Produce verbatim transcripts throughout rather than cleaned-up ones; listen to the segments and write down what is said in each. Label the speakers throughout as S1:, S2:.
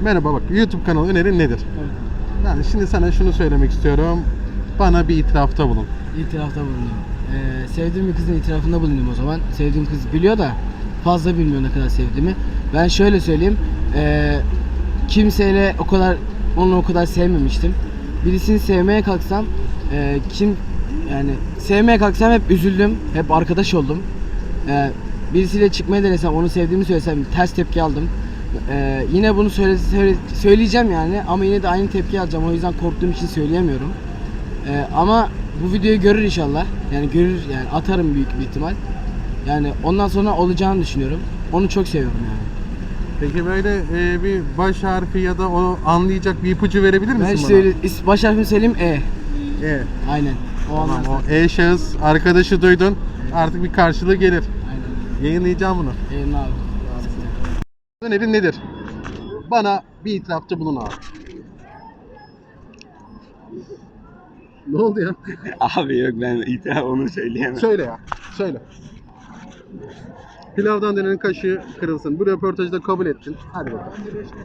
S1: Merhaba, bak YouTube kanalı önerin nedir?
S2: Evet.
S1: Yani şimdi sana şunu söylemek istiyorum. Bana bir itirafta bulun.
S2: İtirafta bulundum. Ee, sevdiğim bir kızın itirafında bulundum o zaman. Sevdiğim kız biliyor da fazla bilmiyor ne kadar sevdiğimi. Ben şöyle söyleyeyim. Ee, kimseyle o kadar onu o kadar sevmemiştim. Birisini sevmeye kalksam e, kim yani sevmeye kalksam hep üzüldüm. Hep arkadaş oldum. Ee, birisiyle çıkmaya denesem, onu sevdiğimi söylesem ters tepki aldım. Ee, yine bunu söyle, söyle, söyleyeceğim yani ama yine de aynı tepki alacağım. O yüzden korktuğum için söyleyemiyorum. Ee, ama bu videoyu görür inşallah. Yani görür, yani atarım büyük bir ihtimal. Yani ondan sonra olacağını düşünüyorum. Onu çok seviyorum yani.
S1: Peki böyle e, bir baş harfi ya da onu anlayacak bir ipucu verebilir misin
S2: Ben
S1: bana?
S2: söyle, is- baş harfini söyleyeyim E.
S1: E.
S2: Aynen. O
S1: Tamam,
S2: anlarsın.
S1: o E şahıs arkadaşı duydun. Artık bir karşılığı gelir.
S2: Aynen.
S1: Yayınlayacağım bunu.
S2: Eyvallah abi.
S1: Önerin nedir? Bana bir itirafta bulun abi. Ne oldu ya?
S3: Abi yok, ben itiraf onu söyleyemem.
S1: Söyle ya. Söyle. Pilavdan dönenin kaşığı kırılsın. Bu röportajı da kabul ettin. Hadi bakalım.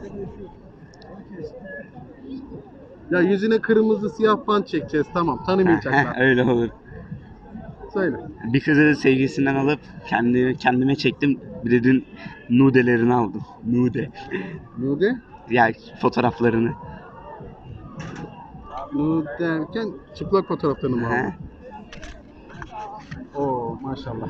S1: Ya yüzüne kırmızı siyah bant çekeceğiz. Tamam. Tanımayacaklar.
S3: Öyle olur.
S1: Söyle.
S3: Bir kızı sevgilisinden alıp kendi, kendime çektim. Bir de dün nudelerini aldım. Nude.
S1: Nude?
S3: Ya fotoğraflarını.
S1: Nude derken çıplak fotoğraflarını mı
S3: He.
S1: aldın? Oo maşallah.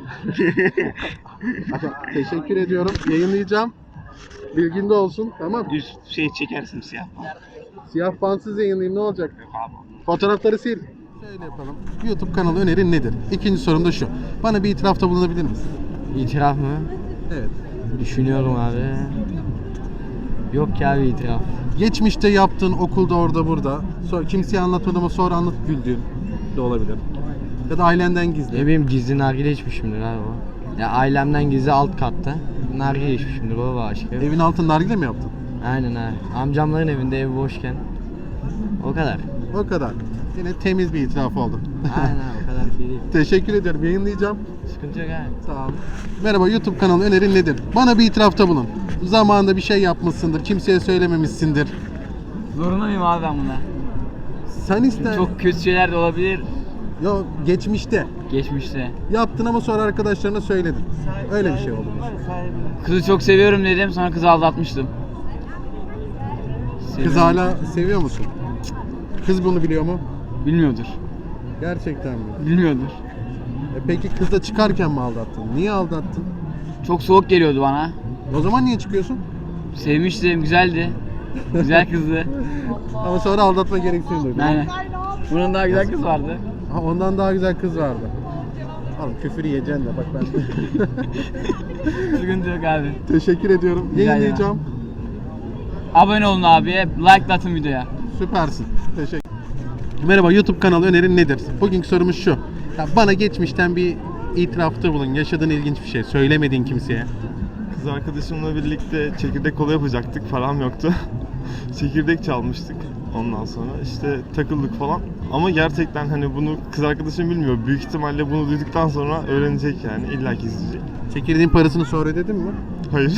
S1: Teşekkür ediyorum. Yayınlayacağım. Bilginde olsun. Tamam.
S3: Üst şey çekersin siyah falan.
S1: Siyah bantsız yayınlayayım, ne olacak?
S3: Yok abi.
S1: Fotoğrafları sil. Şöyle yapalım. YouTube kanalı önerin nedir? İkinci sorum da şu. Bana bir itirafta bulunabilir misin?
S2: İtiraf mı?
S1: Evet.
S2: Düşünüyorum abi. Yok ya bir itiraf.
S1: Geçmişte yaptığın okulda orada burada. Sonra kimseye anlatmadın ama sonra anlat güldüğün de olabilir. Ya da ailenden gizli.
S2: Ne bileyim, gizli nargile içmişimdir abi o. Ya ailemden gizli alt katta nargile içmişimdir baba aşkı.
S1: Evin altında nargile mi yaptın?
S2: Aynen abi. Amcamların evinde, ev boşken. O kadar.
S1: O kadar. Yine temiz bir itiraf oldu.
S2: Aynen abi, o kadar şey değil.
S1: Teşekkür ediyorum. Yayınlayacağım.
S2: Sıkıntı yok abi.
S1: Sağ ol. Merhaba, YouTube kanalı önerin nedir? Bana bir itirafta bulun. Zamanında bir şey yapmışsındır. Kimseye söylememişsindir.
S4: Zorunda mıyım abi ben buna?
S1: Sen iste.
S4: Çok kötü şeyler de olabilir
S1: Yo, geçmişte.
S4: geçmişte.
S1: Yaptın ama sonra arkadaşlarına söyledin. Öyle bir şey oldu.
S4: Kızı çok seviyorum dedim, sonra kızı aldatmıştım.
S1: Kız
S4: Seviyorum.
S1: hala seviyor musun? Kız bunu biliyor mu?
S4: Bilmiyordur.
S1: Gerçekten mi?
S4: Bilmiyordur.
S1: E peki kızla çıkarken mi aldattın? Niye aldattın?
S4: Çok soğuk geliyordu bana.
S1: O zaman niye çıkıyorsun?
S4: Sevmiştim, güzeldi. Güzel kızdı.
S1: Ama sonra aldatma gereksinimi duydun.
S4: Aynen. Bunun daha güzel kız vardı.
S1: Ha, ondan daha güzel kız vardı. Oğlum küfür yiyeceksin de bak ben.
S4: Sıkıntı yok abi.
S1: Teşekkür ediyorum.
S4: Rica ederim.
S1: Yayınlayacağım.
S4: Abone olun abi, like atın videoya.
S1: Süpersin. Teşekkür. Merhaba, YouTube kanalı önerin nedir? Bugünkü sorumuz şu. Ya bana geçmişten bir itirafta bulun. Yaşadığın ilginç bir şey. Söylemediğin kimseye.
S5: Kız arkadaşımla birlikte çekirdek kola yapacaktık, param yoktu. Çekirdek çalmıştık ondan sonra işte takıldık falan. Ama gerçekten hani bunu kız arkadaşım bilmiyor. Büyük ihtimalle bunu duyduktan sonra öğrenecek yani, illa ki izleyecek.
S1: Çekirdeğin parasını sonra ödedin mi?
S5: Hayır.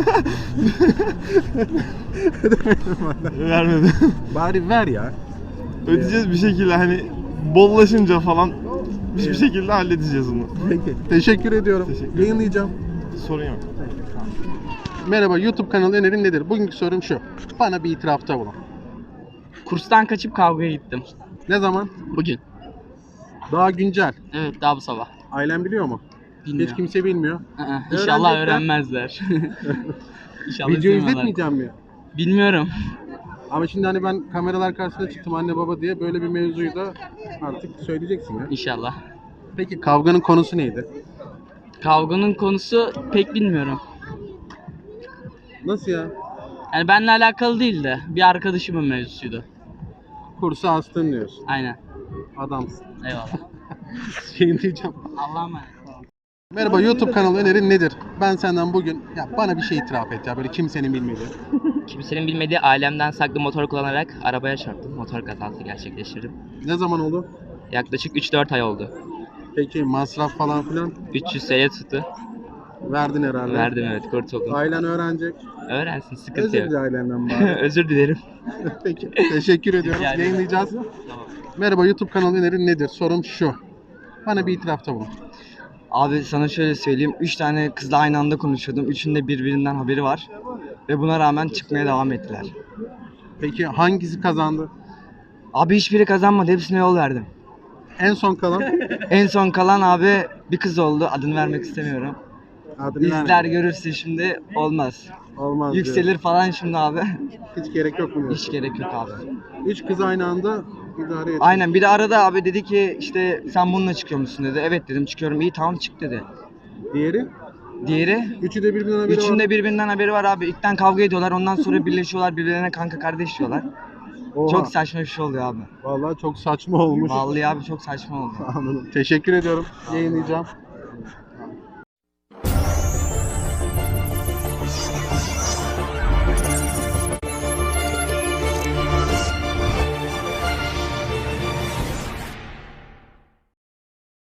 S5: Vermedi.
S1: Bari ver ya.
S5: Ödeyeceğiz bir şekilde, hani bollaşınca falan bir şekilde halledeceğiz onu.
S1: Peki. Teşekkür ediyorum.
S5: Teşekkür ederim.
S1: Yayınlayacağım.
S5: Sorun yok.
S1: Merhaba, YouTube kanalı önerin nedir? Bugünkü sorum şu. Bana bir itirafta bulun.
S4: Kurstan kaçıp kavgaya gittim.
S1: Ne zaman?
S4: Bugün.
S1: Daha güncel.
S4: Evet, daha bu sabah.
S1: Ailen biliyor mu?
S4: Bilmiyorum.
S1: Hiç kimse bilmiyor.
S4: Aa, İnşallah
S1: Öğrenecekler.
S4: öğrenmezler. İnşallah
S1: Video
S4: izlemiyorlar.
S1: izletmeyeceğim mi?
S4: Bilmiyorum.
S1: Ama şimdi hani ben kameralar karşısına çıktım anne baba diye, böyle bir mevzuyu da artık söyleyeceksin ya.
S4: İnşallah.
S1: Peki kavganın konusu neydi?
S4: Kavganın konusu pek bilmiyorum.
S1: Nasıl ya?
S4: Yani benimle alakalı değil de bir arkadaşımın mevzusuydu.
S1: Kursu astın diyorsun.
S4: Aynen.
S1: Adamsın.
S4: Eyvallah.
S1: Şeyini diyeceğim.
S4: Allah'a emanet.
S1: Merhaba, YouTube kanalı önerin nedir? Ben senden bugün ya bana bir şey itiraf et ya, böyle kimsenin bilmediği.
S6: Kimsenin bilmediği ailemden saklı motor kullanarak arabaya çarptım. Motor kazası gerçekleştirdim.
S1: Ne zaman oldu?
S6: Yaklaşık üç dört ay oldu.
S1: Peki masraf falan filan?
S6: üç yüz T L tuttu.
S1: Verdin herhalde.
S6: Verdim evet kurtuldum.
S1: Ailen öğrenecek.
S6: Öğrensin sıkıntı
S1: Özür
S6: yok.
S1: dile ailenden bari.
S6: Özür dilerim.
S1: Peki. Teşekkür ediyoruz.
S6: Rica ederim.
S1: Yayınlayacağız. Merhaba, YouTube kanalı önerin nedir? Sorum şu. Bana bir itirafta bulun.
S7: Abi sana şöyle söyleyeyim. Üç tane kızla aynı anda konuşuyordum. Üçünün de birbirinden haberi var. Ve buna rağmen çıkmaya devam ettiler.
S1: Peki hangisi kazandı?
S7: Abi hiçbiri kazanmadı. Hepsine yol verdim.
S1: En son kalan
S7: En son kalan abi bir kız oldu. Adını vermek istemiyorum.
S1: adını
S7: İzler
S1: vermedim.
S7: görürse şimdi olmaz.
S1: Olmaz diyor.
S7: Yükselir falan şimdi abi.
S1: Hiç gerek yok mu diyorsun?
S7: Hiç gerek yok abi.
S1: Üç kız aynı anda idare et.
S7: Aynen bir de arada abi dedi ki işte sen bununla çıkıyor musun dedi. Evet dedim çıkıyorum. İyi tamam çık dedi.
S1: Diğeri?
S7: Diğeri
S1: Üçü de birbirinden haberi var.
S7: Üçünde birbirinden haberi var abi. İlkten kavga ediyorlar. Ondan sonra birleşiyorlar. Birbirlerine kanka kardeş diyorlar.
S1: Oha.
S7: Çok saçma bir şey oluyor abi.
S1: Vallahi çok saçma olmuş.
S7: Vallahi abi çok saçma oldu.
S1: Anladım. Teşekkür ediyorum. Yayınlayacağım.